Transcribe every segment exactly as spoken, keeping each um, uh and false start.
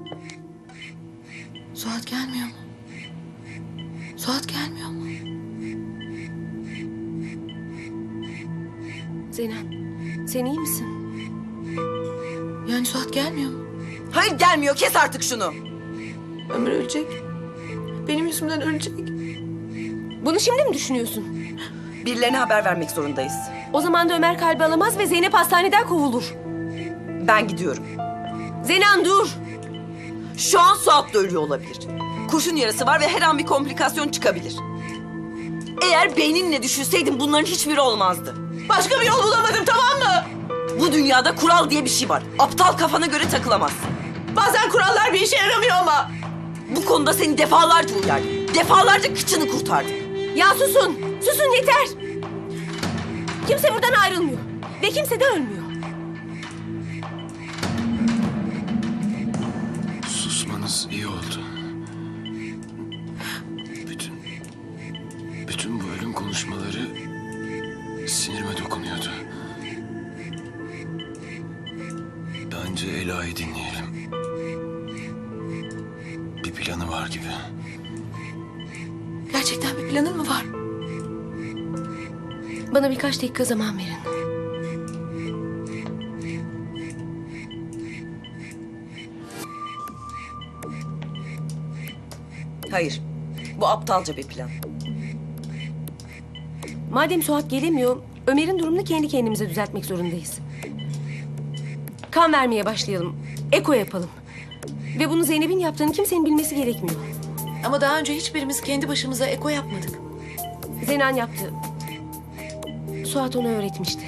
Suat gelmiyor mu? Suat gelmiyor mu? Zeynep, sen iyi misin? Yani Suat gelmiyor mu? Hayır gelmiyor, kes artık şunu. Ömer ölecek. Benim yüzümden ölecek. Bunu şimdi mi düşünüyorsun? Birilerine haber vermek zorundayız. O zaman da Ömer kalbi alamaz ve Zeynep hastaneden kovulur. Ben gidiyorum. Zenan dur! Şu an Suat da ölüyor olabilir. Kurşun yarası var ve her an bir komplikasyon çıkabilir. Eğer beyninle düşünseydin bunların hiçbiri olmazdı. Başka bir yol bulamadım, tamam mı? Bu dünyada kural diye bir şey var. Aptal kafana göre takılamazsın. Bazen kurallar bir işe yaramıyor ama. Bu konuda seni defalarca uyardım. Defalarca kıçını kurtardım. Ya susun! Susun yeter! Kimse buradan ayrılmıyor. Ve kimse de ölmüyor. Susmanız iyi oldu. Bütün... Bütün bu ölüm konuşmaları sinirime dokunuyordu. Bence Ela'yı dinleyelim. Bir planı var gibi. Gerçekten bir planın mı var? Bana birkaç dakika zaman verin. Hayır, bu aptalca bir plan. Madem Suat gelemiyor, Ömer'in durumunu kendi kendimize düzeltmek zorundayız. Kan vermeye başlayalım. Eko yapalım. Ve bunu Zeynep'in yaptığını kimsenin bilmesi gerekmiyor. Ama daha önce hiçbirimiz kendi başımıza eko yapmadık. Zenan yaptı. Suat onu öğretmişti.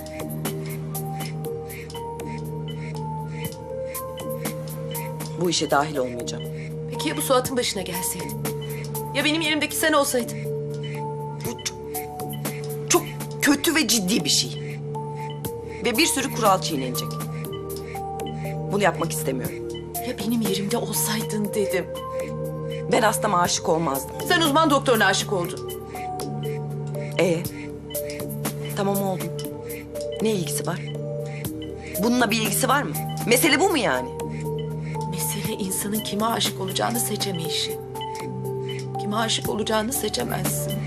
Bu işe dahil olmayacağım. Peki ya bu Suat'ın başına gelseydi? Ya benim yerimdeki sen olsaydın? Bu çok, çok kötü ve ciddi bir şey. Ve bir sürü kural çiğnenecek. Bunu yapmak istemiyorum. Ya benim yerimde olsaydın dedim. Ben hastama aşık olmazdım. Sen uzman doktoruna aşık oldun. Ee, tamam oldum. Ne ilgisi var? Bununla bir ilgisi var mı? Mesele bu mu yani? Mesele insanın kime aşık olacağını seçemeyişi. Kime aşık olacağını seçemezsin.